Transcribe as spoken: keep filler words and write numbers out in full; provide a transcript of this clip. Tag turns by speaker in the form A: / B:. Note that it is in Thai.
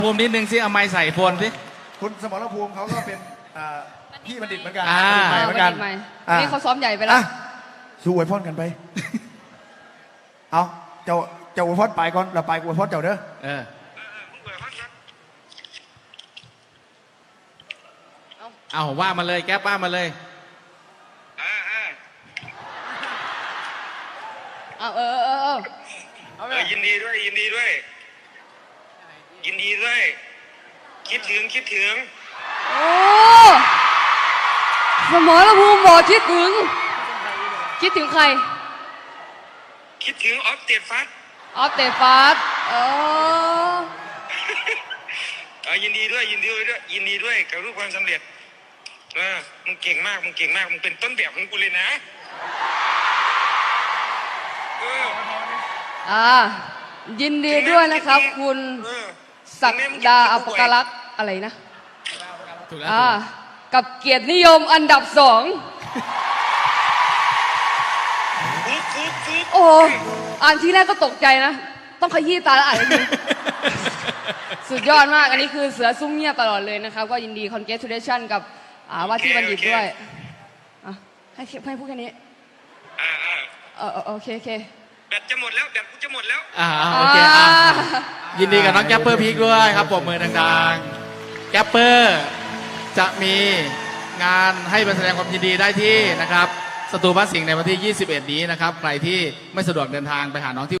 A: ภูมินิดนึงสิเอาไม้ใส่โฟนสิ
B: คุณสมรภูมิเขาก็เป็นพี่บัณฑิตเหมือนกัน
A: อ่า
B: เหมือนกัน
C: นี่เขาซ้อมใหญ่ไปแล้ว
B: สู้อวยพรกันไปเอาเจ้าเจ้าอวยพรไปก่อนเราไปอวยพรเจ้าเด้อ
A: เออเอาว่ามาเลยแก๊ปว่ามาเลย
C: เอาเออเออเออ
D: เออยินดีด้วยยินดีด้วยยินดีด้วยคิดถึงคิดถึง
C: โอ้สมรภูมิบอกคิดถึงคิดถึงใคร
D: คิดถึงออฟเตดฟัส
C: ออฟเตดฟาสเออ
D: เออยินดีด้วยยินดีด้วยยินดีด้วยกับรูปความสำเร็จเออมึงเก่งมากมึงเก่งมากมึงเป็นต้นแบบของกูเลยนะเออ
C: อ่ายินดีด้วยนะครับคุณศักดาอัปกลักษ์อะไรนะอ่ากับเกียรตินิยมอันดับสองโอ้อ่านทีแรกก็ตกใจนะต้องขยี้ตาแล้วอ่านให้ดีสุดยอดมากอันนี้คือเสือซุ่มเงียบตลอดเลยนะครับก็ยินดี congratulation กับว่าที่บัณฑิตด้วยให้ให้พูดแค่นี้เออโอเคโอเค
D: แบตจะหมดแล้วแบตกูจะหมดแล้ว
A: อ่าโอเคอ่ายินดีกับน้องแกปเปอร์พีคด้วยครับปรบมือดังๆแกปเปอร์จะมีงานให้ไปแสดงความยินดีได้ที่นะครับสตูบ้านสิงห์ในวันที่ยี่สิบเอ็ดนี้นะครับใครที่ไม่สะดวกเดินทางไปหาน้องที่